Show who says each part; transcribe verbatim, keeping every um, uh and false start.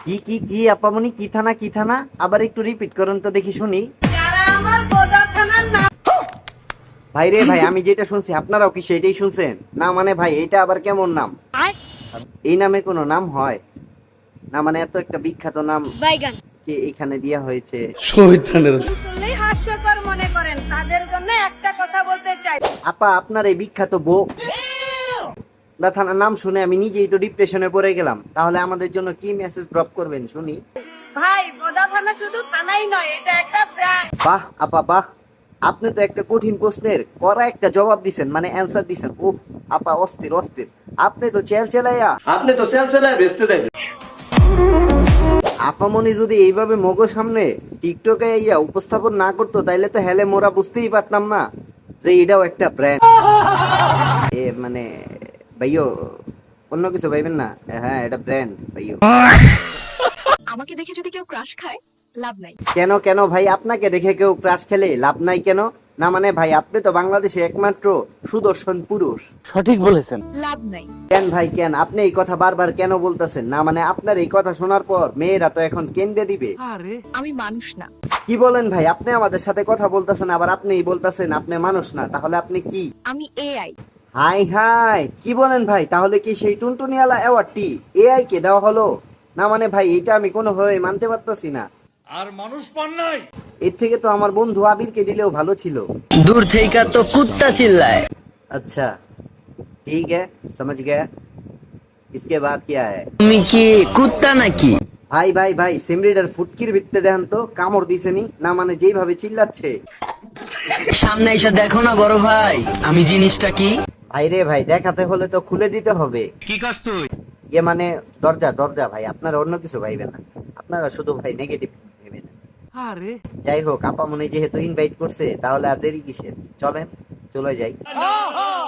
Speaker 1: কি কি কি আপামনি কি থানা কি থানা আবার একটু রিপিট করুন তো দেখি শুনি। ভাই রে ভাই, আমি যেটা শুনছি আপনারাও কি সেটাই শুনছেন? না মানে ভাই এটা আবার কেমন নাম? এই নামে কোনো নাম হয় না? মানে এত একটা বিখ্যাত নাম
Speaker 2: বাইগান
Speaker 1: কে এখানে দেয়া হয়েছে?
Speaker 2: শুনলেই হাস্যকর মনে করেন, তাদের জন্য একটা কথা বলতে চাই।
Speaker 1: আপা আপনার এই বিখ্যাত বউ দা থানার নাম শুনে আমি নিজেই তো ডিপ্রেশনে পড়ে গেলাম। তাহলে আমাদের জন্য কি মেসেজ ড্রপ করবেন শুনি।
Speaker 2: ভাই, বোদা থানা শুধু থানাই নয়, এটা একটা ব্র্যান্ড।
Speaker 1: বাহ আপা বাহ, আপনি তো একটা কঠিন প্রশ্নের কড়া একটা জবাব দিছেন, মানে অ্যান্সার দিছেন। ও আপা অস্থির অস্থির, আপনি তো চেল চেলাইয়া
Speaker 3: আপনি তো সেল সেলায় বেচতে যাবেন।
Speaker 1: আপামনি যদি এইভাবে মগো সামনে টিকটকে ইয়া উপস্থাপন না করতো তাইলে তো হেলে মোরা বুঝতেই পারতাম না যে এটাও একটা ব্র্যান্ড। এ মানে ভাইও অন্য কিছু ভাইবেন না, হ্যাঁ এটা ব্র্যান্ড ভাইও।
Speaker 4: আমাকে দেখে যদি কেউ ক্রাশ খায়, লাভ নাই।
Speaker 1: কেন কেন ভাই, আপনাকে দেখে কেউ ক্রাশ খেলে লাভ নাই কেন? না মানে ভাই আপনি তো বাংলাদেশে একমাত্র সুদর্শন পুরুষ।
Speaker 4: লাভ নাই।
Speaker 1: কেন ভাই কেন আপনি এই কথা বারবার কেন বলতেছেন? না মানে আপনার এই কথা শোনার পর মেয়েরা তো এখন কেন্দ্রে দিবে।
Speaker 4: আমি মানুষ না।
Speaker 1: কি বলেন ভাই? আপনি আমাদের সাথে কথা বলতেছেন আবার আপনিই বলতেছেন আপনি মানুষ না, তাহলে আপনি কি?
Speaker 4: আমি এআই।
Speaker 1: হাই হাই, কি বলেন ভাই? তাহলে কি সেই টুনটুনিওয়ালা অ্যাওয়ার্ডটি এআই কে দেওয়া হলো? না মানে ভাই এটা আমি কোনোভাবে মানতে পারতেছি না।
Speaker 5: আর মানুষ পান নাই।
Speaker 1: এর থেকে তো আমার বন্ধু আবিরকে দিলেও ভালো ছিল।
Speaker 6: दूर थे का तो कुत्ता चिल्लाए।
Speaker 1: अच्छा ठीक है, समझ गया। इसके बाद क्या है?
Speaker 6: তুমি কি কুত্তা নাকি?
Speaker 1: ভাই ভাই ভাই, সিমরিডার ফুটকির ভিত্তে দেখেন তো কামড় দিছেনি? না মানে যেইভাবে চিল্লাচ্ছে।
Speaker 6: সামনে এসে দেখো না বড় ভাই, আমি জিনিসটা কি।
Speaker 1: ভাই রে ভাই, দেখাতে হলে তো খুলে দিতে হবে।
Speaker 5: কি কাজ তুই?
Speaker 1: ইয়ে মানে দরজা দরজা ভাই, আপনারা অন্য কিছু ভাইবেন না, আপনারা শুধু ভাই নেগেটিভ ভেবেন।
Speaker 5: আরে
Speaker 1: যাই হোক, আপা মনে যেহেতু ইনভাইট করছে তাহলে আর দেরি কিসের, চলেন চলে যাই।